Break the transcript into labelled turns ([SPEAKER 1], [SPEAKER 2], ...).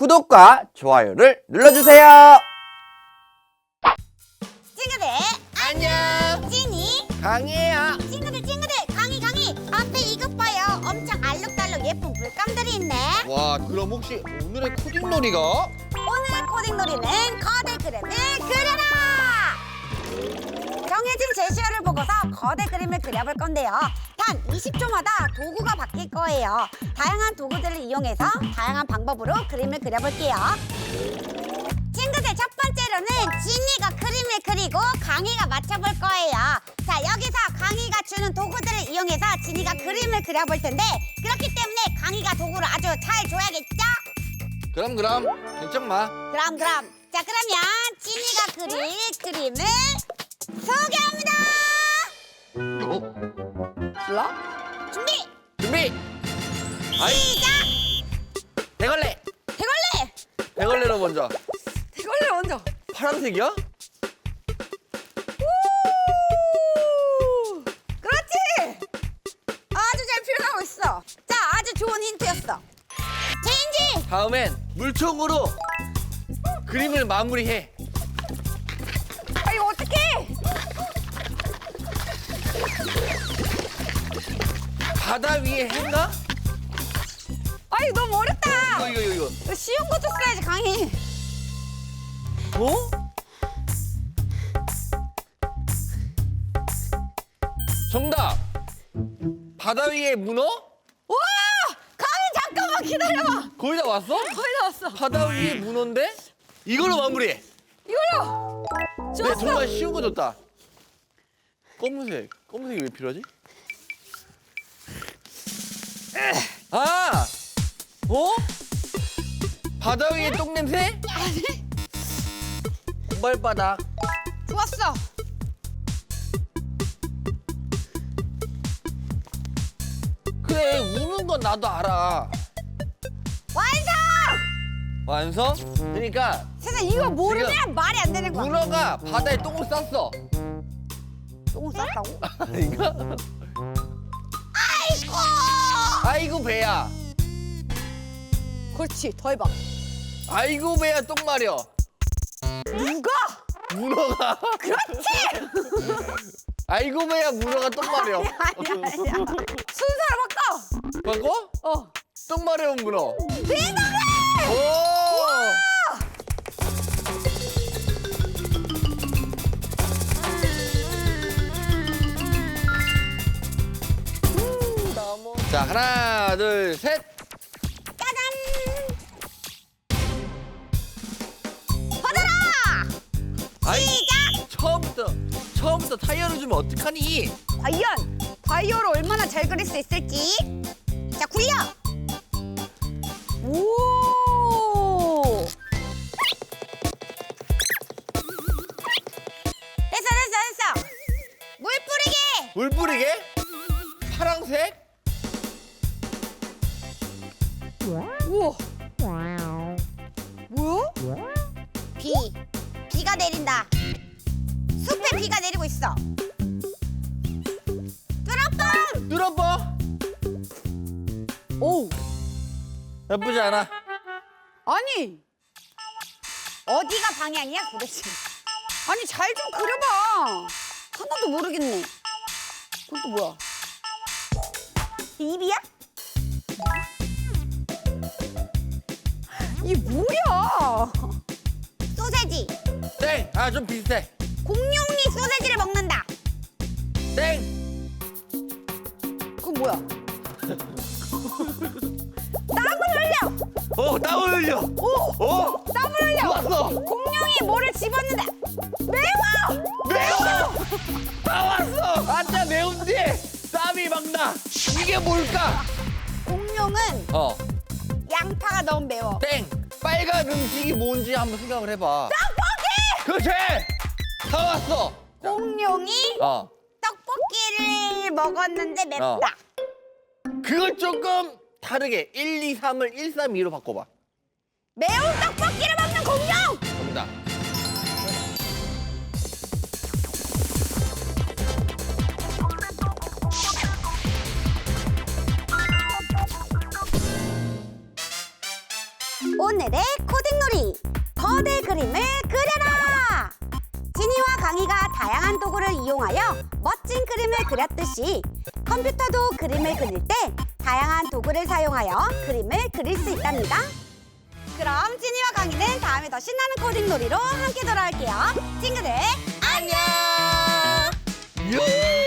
[SPEAKER 1] 구독과 좋아요를 눌러주세요.
[SPEAKER 2] 친구들
[SPEAKER 1] 안녕.
[SPEAKER 2] 찐이
[SPEAKER 1] 강희야.
[SPEAKER 2] 친구들 강희 앞에 이것 봐요. 엄청 알록달록 예쁜 물감들이 있네.
[SPEAKER 1] 와, 그럼 혹시 오늘의 코딩놀이가?
[SPEAKER 2] 오늘 코딩놀이는 거대 그림을 그려라. 정해진 제시어를 보고서 거대 그림을 그려볼 건데요. 단 20초마다 도구가 바뀔 거예요. 다양한 도구들을 이용해서 다양한 방법으로 그림을 그려볼게요. 친구들, 첫 번째로는 진이가 그림을 그리고 강희가 맞춰볼 거예요. 자, 여기서 강희가 주는 도구들을 이용해서 진이가 그림을 그려볼 텐데, 그렇기 때문에 강희가 도구를 아주 잘 줘야겠죠?
[SPEAKER 1] 그럼 걱정 마.
[SPEAKER 2] 그럼 자, 그러면 진이가 그릴 그림을 소개합니다. 몰라? 준비
[SPEAKER 1] 아이,
[SPEAKER 2] 시작.
[SPEAKER 1] 대걸레.
[SPEAKER 2] 대걸레
[SPEAKER 1] 대걸레로 먼저.
[SPEAKER 2] 먼저.
[SPEAKER 1] 파란색이야?
[SPEAKER 2] 그렇지. 아주 잘 표현하고 있어. 자, 아주 좋은 힌트였어. 체인지.
[SPEAKER 1] 다음엔 물총으로 그림을 마무리해.
[SPEAKER 2] 아, 이거 어떡해?
[SPEAKER 1] 바다 위에 해인가?
[SPEAKER 2] 아, 이거 너무 어렵다.
[SPEAKER 1] 이거.
[SPEAKER 2] 이거 쉬운 것도 써야지, 강희.
[SPEAKER 1] 어? 정답. 바다 위에 문어?
[SPEAKER 2] 와! 강희, 잠깐만 기다려봐.
[SPEAKER 1] 거의 다 왔어?
[SPEAKER 2] 거의 다 왔어.
[SPEAKER 1] 바다 위에 문어인데? 이걸로 마무리해.
[SPEAKER 2] 이걸로.
[SPEAKER 1] 네,
[SPEAKER 2] 좋았어.
[SPEAKER 1] 정말 쉬운 거 줬다. 검은색이 왜 필요하지? 아! 어? 바다 위에 똥 냄새?
[SPEAKER 2] 아니,
[SPEAKER 1] 공발바닥.
[SPEAKER 2] 좋았어.
[SPEAKER 1] 그래, 우는 건 나도 알아.
[SPEAKER 2] 완성!
[SPEAKER 1] 완성? 그러니까
[SPEAKER 2] 세상 이거 모르면 말이 안 되는 거야.
[SPEAKER 1] 문어가 바다에 똥을 쌌어.
[SPEAKER 2] 똥을 쌌다고?
[SPEAKER 1] 아닌가?
[SPEAKER 2] 아이고!
[SPEAKER 1] 아이고 배야.
[SPEAKER 2] 그렇지, 더 해봐.
[SPEAKER 1] 아이고 배야 똥 마려.
[SPEAKER 2] 누가?
[SPEAKER 1] 문어가.
[SPEAKER 2] 그렇지!
[SPEAKER 1] 아이고 배야 문어가 똥 마려.
[SPEAKER 2] 아니야. 순서를 바꿔.
[SPEAKER 1] 바꿔? 똥 마려운 문어.
[SPEAKER 2] 대단해!
[SPEAKER 1] 오! 자, 하나, 둘, 셋.
[SPEAKER 2] 짜잔! 받아라!
[SPEAKER 1] 아이,
[SPEAKER 2] 시작!
[SPEAKER 1] 처음부터 타이어를 주면 어떡하니?
[SPEAKER 2] 과연 바이오를 얼마나 잘 그릴 수 있을지. 자, 굴려! 오! 됐어. 물 뿌리게!
[SPEAKER 1] 물 뿌리게? 파랑색?
[SPEAKER 2] 우와! 뭐야? 비가 내린다. 숲에 비가 내리고 있어. 뚜러뻥!
[SPEAKER 1] 뚫어봐.
[SPEAKER 2] 오!
[SPEAKER 1] 나쁘지 않아.
[SPEAKER 2] 아니! 어디가 방향이야, 도대체? 아니, 잘 좀 그려봐. 하나도 모르겠네. 그건 또 뭐야? 입이야? 이게 뭐야? 소세지.
[SPEAKER 1] 땡! 아, 좀 비슷해.
[SPEAKER 2] 공룡이 소세지를 먹는다.
[SPEAKER 1] 땡!
[SPEAKER 2] 그건 뭐야? 땀을 흘려.
[SPEAKER 1] 땀을 흘려. 오!
[SPEAKER 2] 땀을 흘려.
[SPEAKER 1] 좋았어.
[SPEAKER 2] 공룡이 뭐를 집었는데 매워.
[SPEAKER 1] 다 왔어. 아짜 매운지 땀이 막 나. 이게 뭘까?
[SPEAKER 2] 공룡은 양파가 너무 매워.
[SPEAKER 1] 땡! 빨간 음식이 뭔지 한번 생각을 해봐.
[SPEAKER 2] 떡볶이!
[SPEAKER 1] 그렇지! 다 왔어.
[SPEAKER 2] 공룡이 떡볶이를 먹었는데 맵다.
[SPEAKER 1] 그걸 조금 다르게 1, 2, 3을 1, 3, 2로 바꿔봐.
[SPEAKER 2] 매운 떡볶이를 먹는 공룡!
[SPEAKER 1] 정답.
[SPEAKER 2] 오늘의 오늘의 코딩놀이 거대 그림을 그려라. 지니와 강희가 다양한 도구를 이용하여 멋진 그림을 그렸듯이 컴퓨터도 그림을 그릴 때 다양한 도구를 사용하여 그림을 그릴 수 있답니다. 그럼 지니와 강희는 다음에 더 신나는 코딩놀이로 함께 돌아올게요. 친구들 안녕.
[SPEAKER 1] 유!